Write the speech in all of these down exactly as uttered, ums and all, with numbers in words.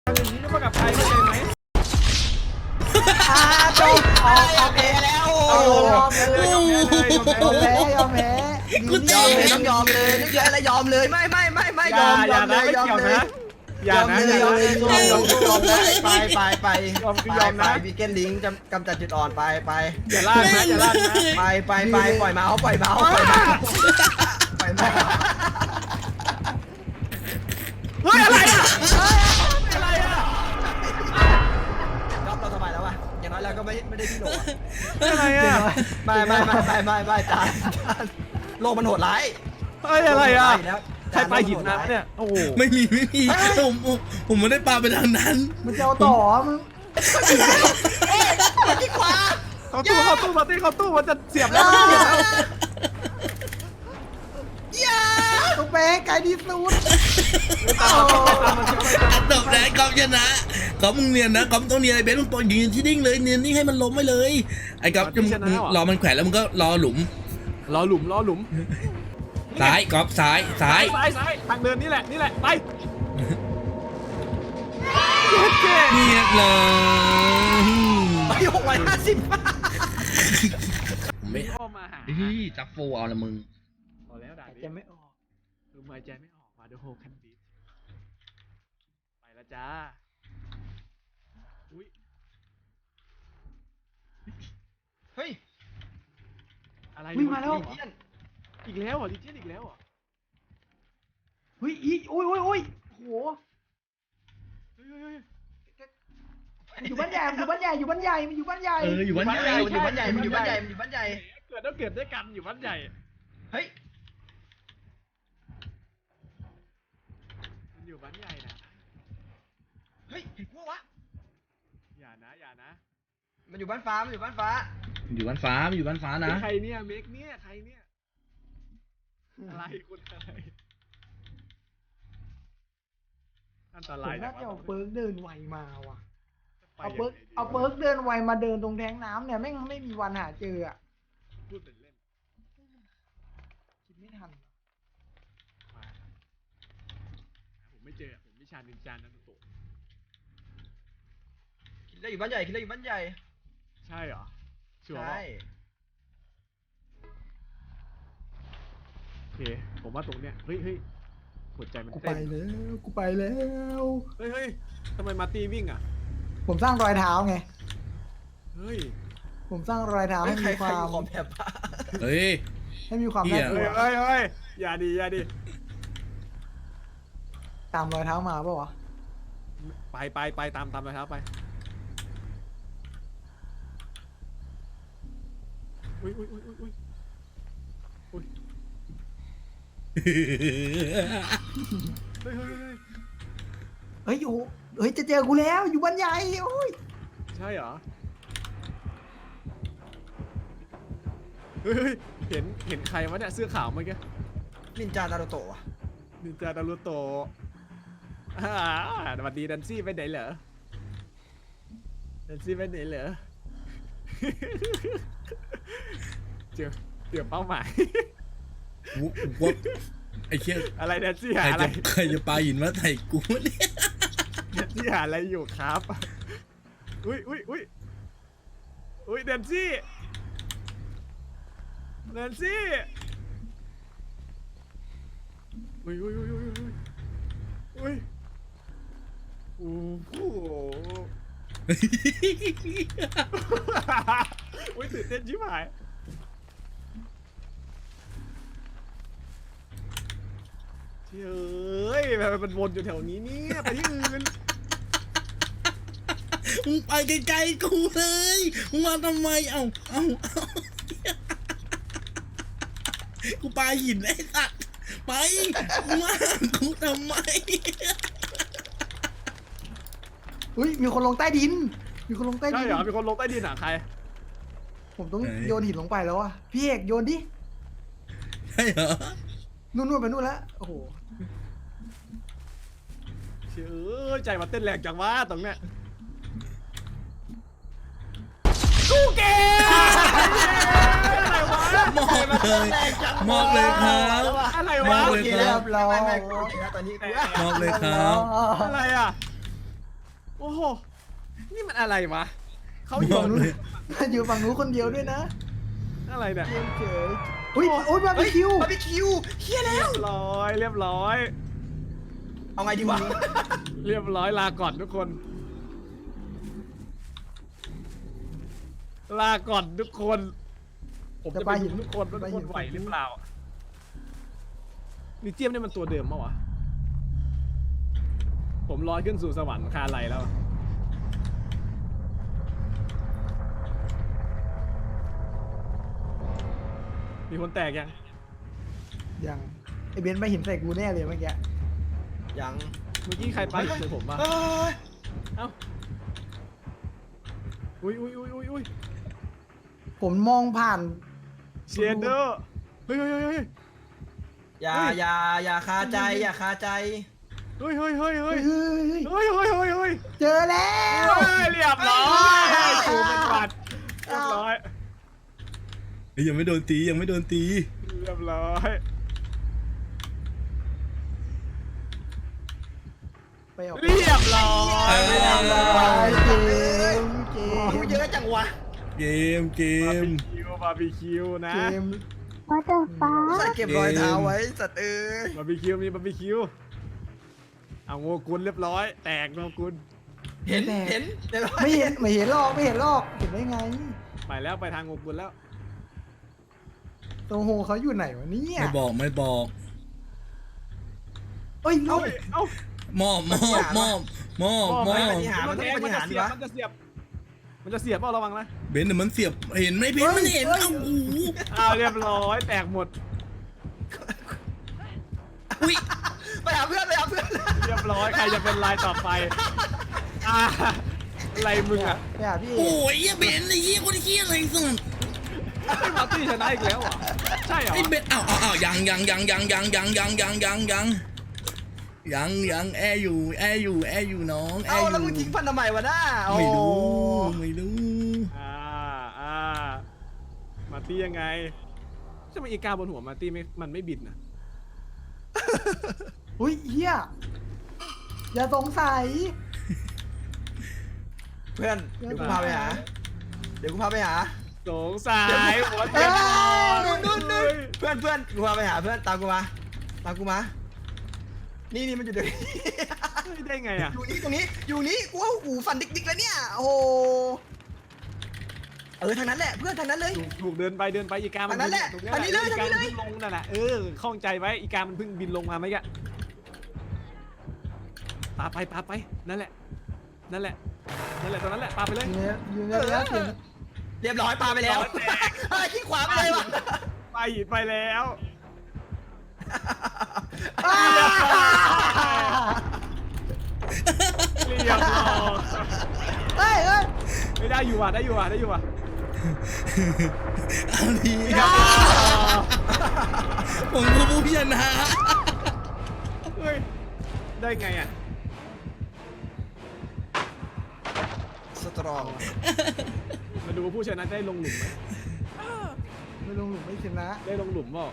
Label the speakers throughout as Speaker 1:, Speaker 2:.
Speaker 1: อย่างนี้ไม่กับใครเข้าใจไหม
Speaker 2: อาจบออกออกเอแล้วโอ้ยอมเลยยอมแพ้ยอมแพ้
Speaker 3: กูตีต้องยอมเลยต้องยอมอะไรยอมเลยไม่ไม่ไม่ไม่ยอมยอมเลยยอมเลย
Speaker 1: อย่านะ
Speaker 3: ยอมเลยยอมยอมยอมนะไปไปไป
Speaker 1: ยอมคือยอมนะ
Speaker 3: วีเกนลิงจะกำจัดจุดอ่อนไปไป
Speaker 1: อย่าลากนะอย่าลากนะ
Speaker 3: ไปไปไปปล่อยเมาส์ปล่อยเมาส์ปล่อยเมาส์ปล่อยเมาส์
Speaker 1: เฮ้ยอะไรอ่ะอะไรอ่ะ
Speaker 3: รอบเราสบายแล้ววะอย่างน้อยเราก็ไม่ไม่ได้ที่โหล
Speaker 1: อะไรอ่ะ
Speaker 3: ไม่ไม่ไม่ไม่ไม่ไม่จานจานโลกมันโหดร้าย
Speaker 1: เฮ้ยอะไรอ่ะใครไปหินน้ำเนี่ยโอ้โห
Speaker 4: ไม่มีไม่มีผมผมไม่ได้ปาไปทางนั้น
Speaker 2: มันจะเอาต่อมึง
Speaker 3: ที่ขวา
Speaker 1: เขาตู้เขาตู้มาตีเขาตู้มันจะเสียบแล้วมันเสียบแล้ว
Speaker 2: ตุ๊กแป้ไก่ดีสุด
Speaker 4: อันดับแรกกอมชนะกอมมึงเนียนนะกอมต้องเนียนไอ้เบสมึงปล่อยยืนที่นิ่งเลยเนียนนิ่งให้มันล้มไปเลยไอ้กอมจะรอมันแขวนแล้วมึงก็รอหลุม
Speaker 1: รอหลุมรอหลุม
Speaker 4: ซ้ายกอมซ้ายซ้าย
Speaker 1: ซ้ายซ้ายทางเดินนี่แหละนี่แหละไป
Speaker 4: เนียนเลย
Speaker 3: ไปหกร้อยห้าสิบ
Speaker 4: ไม่มาหาจับโฟเอาละมึง
Speaker 1: พอแล้วด่า
Speaker 2: จะไม่ออก
Speaker 1: ดูหายใจไม่ออกมาดูโฮคันบีไปแล้วจ้าอุ้ย
Speaker 3: เฮ้ย
Speaker 1: อะไร
Speaker 2: วิ่งมาแล้ว
Speaker 1: อีกแล้วเหรอดิเจนอีกแล้วเหรอ
Speaker 2: เฮ้ยอีโอ้ยโอ้ยโอ้ยโหอยู่บ้านใหญ่อยู่บ้านใหญ่อยู่บ้านใหญ่มันอยู่บ้านใหญ่
Speaker 4: เอออยู่บ้านใหญ่
Speaker 3: มันอยู่บ้านใหญ่มันอยู่บ้านใหญ่มันอยู่บ้านใหญ่
Speaker 1: เกิดต้องเกิดด้วยกันอยู่บ้านใหญ่
Speaker 3: เฮ้ย
Speaker 1: มันอยู่บ้านใหญ่นะ
Speaker 3: เฮ้ยเห็นพวกวะ
Speaker 1: อย่านะอย่านะ
Speaker 3: มันอยู่บ้านฟ้ามันอยู่บ้านฟ้า
Speaker 4: อยู่บ้านฟ้าอยู่บ้านฟ้านะ
Speaker 1: ใครเนี่ยเมกเนี่ยใครเนี่ยอะไรคุณอะไรอันตราย
Speaker 2: น่าจะเอาเปิร์กเดินไวมาว่ะเอาเปิร์กเอาเปิร์กเดินไวมาเดินตรงแทงน้ำเนี่ยไม่ไม่มีวันหาเจออ่ะ
Speaker 1: พูดเป็นเล่น
Speaker 2: คิดไม่ทัน
Speaker 1: ผมไม่เจอผมวิชานินจานารุโตะ
Speaker 3: คิดได้อยู่บ้านใหญ่คิดได้อยู่บ้านใหญ่
Speaker 1: ใช่เหรอ
Speaker 3: ใช่
Speaker 1: โอเคผมว่าตรงเนี้ยเฮ้ยเฮ้ยหัวใจมัน
Speaker 2: เต้นกูไปแล้วกูไปแล้ว
Speaker 1: เฮ้ยเฮ้ยทำไมมาตีวิ่งอ่ะ
Speaker 2: ผมสร้างรอยเท้าไง
Speaker 1: เฮ้ย
Speaker 2: ผมสร้างรอยเท้าให้มีความ
Speaker 4: เฮ้ย
Speaker 2: ให้มีความน่ากลัว
Speaker 1: เฮ้ยเฮ้ยอย่าดีอย่าดี
Speaker 2: ตามรอยเท้ามาป่ะวะ
Speaker 1: ไปไปไปตามตามรอยเท้าไปอุ้ยอุ้ยอุ้ยอุ้ยอุ้ยอุ้ยเฮ้ยเฮ้ย
Speaker 2: เฮ้ยโอ้เฮ้ยจะเจอกูแล้วอยู่บ้านใหญ่โอ้ย
Speaker 1: ใช่เหรอเฮ้ยเห็นเห็นใครวะเนี่ยเสื้อขาวเมื่อกี้
Speaker 3: นินจานารุโตะ
Speaker 1: นินจานารุโตะอ่าสวัสดีดันซี่ไปไหนเหรอดันซี่ไปไหนเหรอเจอเดี๋ยวเป้าหมาย
Speaker 4: ว่าไอ้เชี่ย
Speaker 1: อะไรดันซี่หาอะไร
Speaker 4: ใครจะปาหินมาใส่กูเนี่ย
Speaker 1: ดันซี่หาอะไรอยู่ครับอุ้ยอุ้ยอุ้ยอุ้ยดันซี่ดันซี่อุ้ยอุ้ยอุ้ยอุ้ยอุ้ยอุ้ยโอ้โหอุ้ยตื่นเต้นชิบหายเฮ้ยมันวนอยู่แถวนี้เนี่ยไปที่อื่น
Speaker 4: มึงไปไกลๆกูเลยมึงมาทำไมเอ้าเอ้ากูปาหินไอ้สัตว์ไปมึงมากูทำไม
Speaker 2: อุ้ยมีคนลงใต้ดินมีคนลงใต้ดิน
Speaker 1: ใช่เหรอมีคนลงใต้ดินหาใคร
Speaker 2: ผมต้องโยนหินลงไปแล้วอ่ะพี่เอกโยนดิ
Speaker 4: ใช่เหรอ
Speaker 2: นู่นๆไปนู่นแล้วโอ้โห
Speaker 1: เชื่อใจมาเต้นแรงจังวะตรงเนี้ยกูเก่งอะไรวะ
Speaker 4: มอบเลยมอบเลยครับ
Speaker 1: อะไร
Speaker 4: ม
Speaker 1: วะ
Speaker 4: อบเลยครับ
Speaker 3: เราตอนนี้
Speaker 4: มอบเลยครับ
Speaker 1: อะไรอ่ะโอ้โหนี่มันอะไรวะเขาอบ
Speaker 4: อยู่ ก
Speaker 1: ฝั่งนู้น
Speaker 4: เลย
Speaker 2: อยู่ฝั่งนู้นคนเดียวด้วยนะ
Speaker 1: อะไรเนี่ย
Speaker 2: เกมเฉยอุ้ยอุ้ยบาร์บีคิว
Speaker 3: บาร์บีคิวเฮียแล้
Speaker 1: เรี
Speaker 3: วย
Speaker 1: บร้อยเรียบร้อย
Speaker 3: เอาไงดีวะ
Speaker 1: เรียบร้อยลาก่อนทุกคน ลาก่อนทุกคน ผมจะไปเห็นทุกคนว่าทุกคนไหวหรือเปล่ามิเจียมนี่มันตัวเดิมปะวะผมลอยขึ้นสู่สวรรค์คาไลแล้ว มีคนแตกยัง
Speaker 2: ยังไอเบนซ์ไม่เห็นใส่กูแน่เลยเมื่อกี้
Speaker 3: ยัง
Speaker 1: เมื่อกี้ใครไปเจอผมปะ
Speaker 3: เอ้ย
Speaker 1: เอ้า อุ้ยอุ้ยอุ้ยอุ้ยอุ้ย
Speaker 2: ผมมองผ่าน
Speaker 1: เชียร์เดอร์เฮ้ยเฮ้ยเฮ้ยเฮ้ย
Speaker 3: อย่า
Speaker 1: เฮ้ย
Speaker 3: อย่าอย่าคาใจอย่าคาใจ
Speaker 1: เฮ้ยเฮ้ยเฮ้ยเฮ้
Speaker 2: เฮ้
Speaker 1: ย
Speaker 2: ยเฮ้ยเฮ้ย
Speaker 1: เฮ้ยเฮ้ยเฮ้ยเฮ้ย
Speaker 2: เจอแล้ว
Speaker 1: เฮ้ยเรียบร้อยกูเป็นหวัดเรียบร้อย
Speaker 4: เฮ้ยยังไม่โดนตียังไม่โดนตี
Speaker 1: เรียบร้อย
Speaker 2: ไปออก
Speaker 1: เรียบร้อย
Speaker 2: ไปเกมเก
Speaker 3: กู
Speaker 2: ม
Speaker 3: เยอะจังวะ
Speaker 4: เกมเก
Speaker 1: บาร์
Speaker 4: ม
Speaker 1: บีคิวบาร์บีคิวนะ
Speaker 2: เกม
Speaker 5: What the
Speaker 3: ใส่
Speaker 5: fuck
Speaker 3: เก็บรอยเท้าไว้สัตว์เอ้ย
Speaker 1: บาร์บีคิวมีบาร์บีคิวเอาโงกุลเรียบร้อย แตกโงกุล
Speaker 3: เห็นเห็นเดี๋ยว
Speaker 2: ไม่เห็นไม่เห็นหรอกไม่เห็นหรอกเห็นได้ไง
Speaker 1: ไปแล้วไปทางโงกุลแล้ว
Speaker 2: โตโฮเขาอยู่ไหนวะเนี่ย
Speaker 4: ไม่บอกไม่บอก
Speaker 2: เอ้ย
Speaker 1: เอ้า
Speaker 2: เอ้า
Speaker 1: เอ้าม
Speaker 4: อบมอบมอบมอบมอบ
Speaker 3: ปฏิหารมันต้องปฏิหาร
Speaker 1: เสี
Speaker 3: ดี
Speaker 1: ยบ
Speaker 3: วะ
Speaker 1: มันจะเสียบมันจะเสียบเปล่าระวังนะ
Speaker 4: เบนซ์เดี๋ยวมันเสียบเห็นไหมเบนซ์มันเห็นเอ้าโอ้โห
Speaker 1: อ้าวเรียบร้อยแตกหมด
Speaker 4: อุ้ย
Speaker 3: ไปหาเพื่อนไปหาเพื่อน
Speaker 1: เรียบร้อยใครจะเป็นลายต่อไปอ่าอะไรมึงอ่ะ
Speaker 2: ไปหาพี่เอ
Speaker 4: โอ้ยเหี้ยเบนซ์ไอ้เหี้ยคนเหี้ยอะไรสัส
Speaker 1: ไอ้มาร์ตี้ชนะอีกแล้วเหรอใช่เหรอ
Speaker 4: ไอ้เบนซ์อ้าวอ้าวอ้าวยังยังยังยังยังยังยังยังยังยังยังยังแอร์อยู่แอร์อยู่แอร์อยู่น้องแอ
Speaker 3: เอา
Speaker 4: ร์อยู่
Speaker 3: แล้วมึงทิ้งพันทำไมวะน้า
Speaker 4: ไม่รู้
Speaker 3: โอ้
Speaker 4: ไม่รู้
Speaker 1: อ่าอ่ามาร์ตี้ยังไงทำไมอีกาบนหัวมาร์ตี้ไม่มันไม่บินอ่ะ
Speaker 2: อุ้ยเฮียอย่าสงสัย
Speaker 3: เพื่อนเดี๋ยวกูพาไปหาเดี๋ยวกูพาไปหา
Speaker 1: สงสัยหัวเต็ม
Speaker 3: นู่นนู่นนู่นเพื่อนเพื่อนกูพาไปหาเพื่อนตามกูมาตามกูมานี่นี่มันอยู่เดี๋ยวนี้
Speaker 1: เฮ้ยได้ไงอ่ะ
Speaker 3: อยู่นี่ตรงนี้อยู่นี่กูว่าหูฟันดิกๆแล้วเนี่ยโอ้โหเออทางนั้นแหละเพื่อนทางนั้นเลย
Speaker 1: ถูกถูกเดินไปเดินไปอีกามัน
Speaker 3: อันนั้นแหละ
Speaker 1: ตรง
Speaker 3: อันนี้เลย
Speaker 1: อีกา
Speaker 3: อันนี้
Speaker 1: มัน
Speaker 3: เลย
Speaker 1: เพิ่งลงนั่นแหละเออข้องใจไว้อีกามันเพิ่งบินลงมาไหมกะปาไปปาไปนั่นแหละนั่นแหละนั่นแหละตรงนั้นแหละปาไปเลย
Speaker 2: อยู่ในอยู่ในระยะเสียง
Speaker 3: เรียบร้อยปาไปแล้ว
Speaker 1: แตก
Speaker 3: เฮ้ยขี้ขวาไปเลยวะ
Speaker 1: ไปไปแล้ว
Speaker 2: อ้า
Speaker 1: เรียบร้อย
Speaker 2: เฮ้ยเฮ้ย
Speaker 1: ไม่ได้อยู่ว่ะได้อยู่ว่ะได้อยู่ว่ะ
Speaker 4: เอาดี
Speaker 1: เรียบร้อย
Speaker 4: ผมคือผู้ชนะ
Speaker 1: เฮ้ยได้ไงอ่ะ
Speaker 3: สตรอง
Speaker 1: มาดูผู้ชนะได้ลงหลุมไหม
Speaker 2: ไม่ลงหลุมไม่ชนะ
Speaker 1: ได้ลงหลุมเปล่า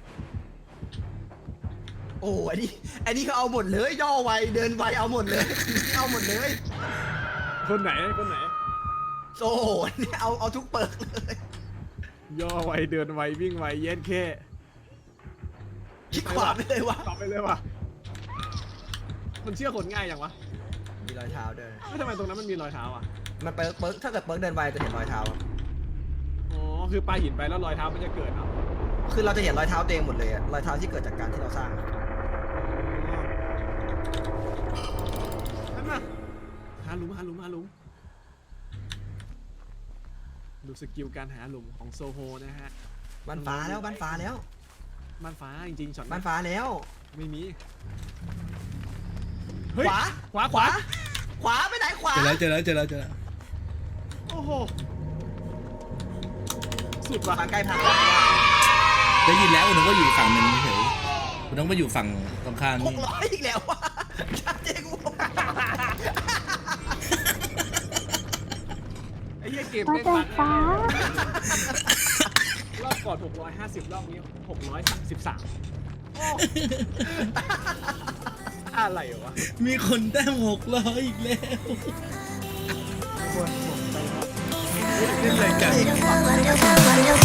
Speaker 3: โอ้อันนี้อันนี้เขาเอาหมดเลยย่อไวเดินไวเอาหมดเลยเอาหมดเลย
Speaker 1: คนไหนคนไหน
Speaker 3: โอ้โหนี่เอาเอาทุกเปิร์กเลย
Speaker 1: ย่อไวเดินไววิ่งไวเย็นแค่
Speaker 3: ขี้ขวาไปเลยวะ
Speaker 1: ตอบไปเลยว่ะมันเชื่อคนง่ายอย่างวะ
Speaker 3: มีรอยเท้าด้วย
Speaker 1: ไม่ทำไมตรงนั้นมันมีรอยเท้าอ่ะ
Speaker 3: มันเปิร์กเปิร์กถ้าเกิดเปิร์กเดินไวจะเห็นรอยเท้าอะ
Speaker 1: อ๋อคือปลาหินไปแล้วรอยเท้ามันจะเกิดเอา
Speaker 3: คือเราจะเห็นรอยเท้าตัวเองหมดเลยอะรอยเท้าที่เกิดจากการที่เราสร้างอะ
Speaker 1: นั่นน่ะหาหลุมหาหลุมหาหลุมดูสกิลการหาหลุมของโซโฮนะฮะ
Speaker 3: บ้านฟ้าแล้วบ้านฟ้าแล้ว
Speaker 1: บ้านฟ้าจริงๆช็อต
Speaker 3: บ้านฟ้าแล้ว
Speaker 1: ไม่มี
Speaker 3: ขวา
Speaker 1: ขวาขวา
Speaker 3: ขวาไปไหนขวา
Speaker 4: เจอแล้วเจอแล้วเจอแล้วเจอแล้ว
Speaker 1: โอ้โหสุดว่ะ
Speaker 3: มาใกล้ผ่าน
Speaker 4: ได้ยินแล้วคุณต้องก็อยู่ฝั่งหนึ่งเฉยคุณต้องไปอยู่ฝั่งตรงข้าม
Speaker 3: ห
Speaker 4: นี่
Speaker 3: กร้อยอีกแล้ววะชัดเจนกู
Speaker 1: ไอ้เหี้ยเกม
Speaker 5: What
Speaker 1: เล่น
Speaker 5: the
Speaker 1: บั๊ก
Speaker 5: fuck
Speaker 1: รอบก่อนหกร้อยห้าสิบรอบนี้หกร้อยสามสิบสามอะไรวะ
Speaker 4: มีคนแต้มหกร้อยอีกแล้ว
Speaker 2: บนผมไปครับ
Speaker 1: เล่นอะไรกัน
Speaker 5: What do you